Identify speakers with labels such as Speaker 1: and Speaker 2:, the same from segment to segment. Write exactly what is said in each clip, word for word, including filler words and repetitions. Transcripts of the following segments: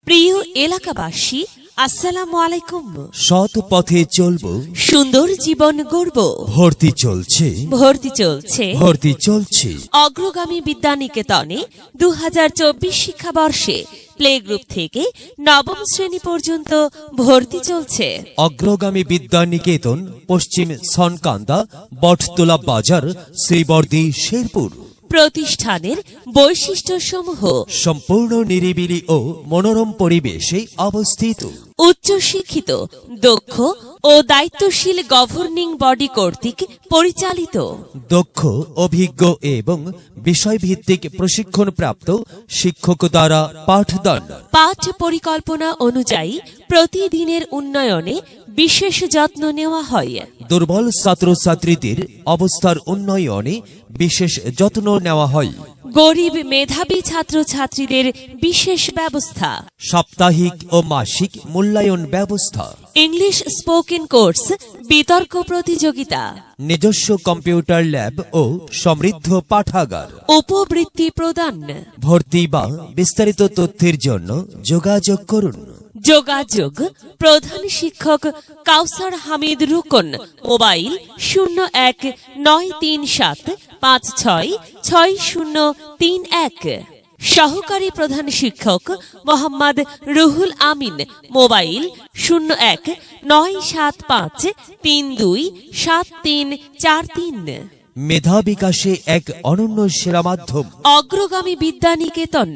Speaker 1: প্রিয় এলাকাবাসী, আসসালামু আলাইকুম।
Speaker 2: সৎ পথে চলবো,
Speaker 1: সুন্দর জীবন গড়ব।
Speaker 2: ভর্তি চলছে
Speaker 1: ভর্তি চলছে
Speaker 2: ভর্তি চলছে
Speaker 1: অগ্রগামী বিদ্যানিকেতনে দু হাজার চব্বিশ শিক্ষাবর্ষে প্লে গ্রুপ থেকে নবম শ্রেণী পর্যন্ত ভর্তি চলছে।
Speaker 2: অগ্রগামী বিদ্যানিকেতন, পশ্চিম সনকান্দা, বটতলা বাজার, শ্রীবর্দী, শেরপুর।
Speaker 1: প্রতিষ্ঠানের বৈশিষ্ট্যসমূহ:
Speaker 2: সম্পূর্ণ নিরিবিলি ও মনোরম পরিবেশে অবস্থিত,
Speaker 1: উচ্চশিক্ষিত, দক্ষ ও দায়িত্বশীল গভর্নিং বডি কর্তৃক পরিচালিত,
Speaker 2: দক্ষ, অভিজ্ঞ এবং বিষয়ভিত্তিক প্রশিক্ষণপ্রাপ্ত শিক্ষক দ্বারা পাঠদান।
Speaker 1: পাঠ পরিকল্পনা অনুযায়ী প্রতিদিনের উন্নয়নে বিশেষ যত্ন নেওয়া হয়।
Speaker 2: দুর্বল ছাত্রছাত্রীদের অবস্থার উন্নয়নে বিশেষ যত্ন নেওয়া হয়।
Speaker 1: গরিব মেধাবী ছাত্রছাত্রীদের বিশেষ ব্যবস্থা।
Speaker 2: সাপ্তাহিক ও মাসিক মূল্যায়ন ব্যবস্থা।
Speaker 1: ইংলিশ স্পোকেন কোর্স, বিতর্ক প্রতিযোগিতা,
Speaker 2: নিজস্ব কম্পিউটার ল্যাব ও সমৃদ্ধ পাঠাগার।
Speaker 1: উপবৃত্তি প্রদান।
Speaker 2: ভর্তি বা বিস্তারিত তথ্যের জন্য যোগাযোগ করুন।
Speaker 1: যোগাযোগ: প্রধান শিক্ষক কাউসার হামিদ রুকন, মোবাইল শূন্য এক নয় তিন সাত পাঁচ ছয় ছয় শূন্য তিন এক। সহকারী প্রধান শিক্ষক মোহাম্মদ রুহুল আমিন, মোবাইল শূন্য এক নয় সাত পাঁচ তিন দুই সাত তিন চার তিন।
Speaker 2: মেধা বিকাশে এক অনন্য সেরা মাধ্যম
Speaker 1: অগ্রগামী বিদ্যানিকেতন।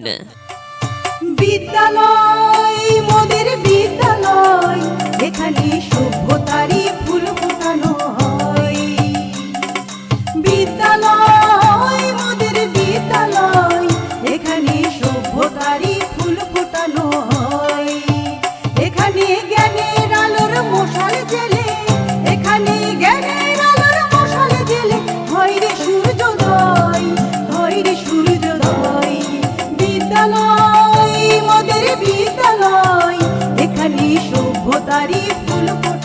Speaker 3: বিদ্যালয় মোদের বিদ্যালয়, এখানে সভ্যতারই ফুল ফোটানো হয়। বিদ্যালয় মোদের বিদ্যালয়, এখানে সভ্যতারই ফুল ফোটানো হয়। এখানে জ্ঞানের আলোর মশাল জেলে, এখানে জ্ঞানের আলোর মশাল জেলে হয় রে সূর্যোদয়, হয় রে সূর্যোদয়। বিদ্যালয় মোদের বিদ্যালয়, এখানে সভ্যতারই ফুল ফোটানো।